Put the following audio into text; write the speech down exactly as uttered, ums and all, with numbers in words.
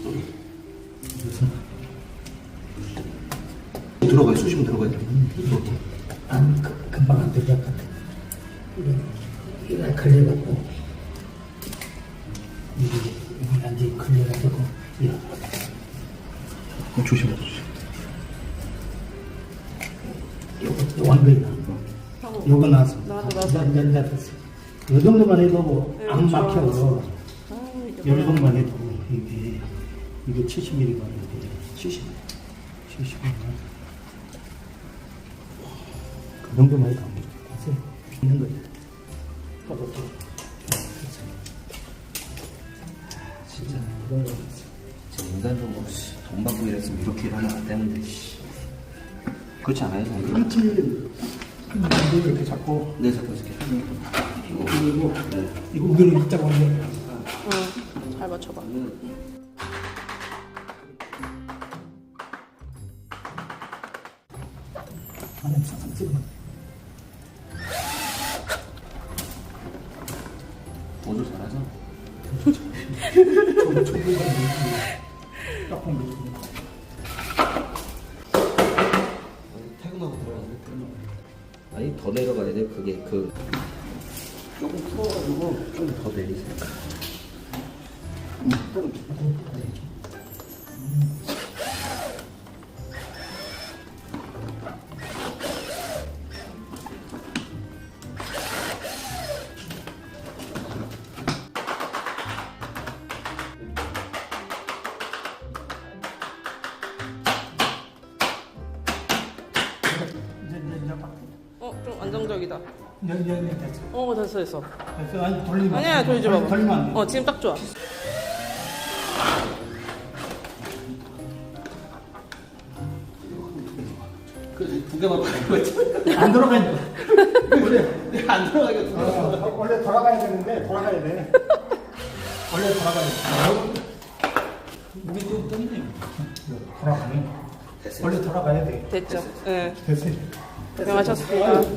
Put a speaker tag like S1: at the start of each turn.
S1: 들어가요. 쑤시면 들어가요.
S2: 안, 그- 금방 안 들어갈 것 같아. 이게, 이거 걸려갖고, 이게, 이게 완전히 걸려가지고, 이거.
S1: 어, 조심해, 조심.
S2: 요거, 요 완벽이다. 요거 나왔어.
S3: 나도, 나도.
S2: 난, 난, 됐어. 요 정도만 해도
S3: 네,
S2: 안
S3: 좋아.
S2: 막혀. 요
S3: 아, 이게 뭐야.
S2: 정도만 해도, 이게, 이게 칠십 밀리미터가 이게 칠십, 칠십 밀리미터. 그 정도만 해도 안 돼. 됐어요. 있는 거예요. 꺼졌죠.
S1: 진짜.
S2: 그런 거 있어.
S1: 진짜 인간적으로 씨, 돈 받고 이랬으면 이렇게 일하면 안 되는데. 씨. 그렇지 않아요, 선생님?
S2: 일주일, 이거 이렇게 잡고,
S1: 네, 잡고 있을게요. 이거.
S2: 그리고,
S1: 네.
S2: 이거 우리로 입자고 하는 거.
S3: 응, 잘 맞춰봐.
S2: 안에 싹싹 찍어.
S1: 보조 잘하죠?
S2: 저, 저기가 딱 보면 되지.
S1: 퇴근하고 들어가는데 퇴근하고. 아니, 더 내려가야 돼요. 그게 그. 조금 풀어가지고 좀 더 내리세요.
S2: 이제, 이제, 이제 딱.
S3: 어, 좀 안정적이다.
S2: 이제, 이제, 이제 됐어.
S3: 어, 됐어, 됐어.
S2: 됐어. 아니, 돌리면.
S3: 아니야,
S2: 안 돼.
S3: 돌지 마.
S2: 돌리면 안 돼.
S3: 어, 지금 딱 좋아.
S1: 그두 개만 받는 거지.
S2: 안 들어가니까. 원래,
S1: 안 들어가니까 두 개만.
S2: 어, 원래 돌아가야 되는데, 돌아가야 돼. 원래 돌아가야 돼. 우리 또 떴네. 돌아가네. 원래 돌아가야 돼.
S3: 됐죠. 예.
S2: 됐어요.
S3: 고생하셨습니다.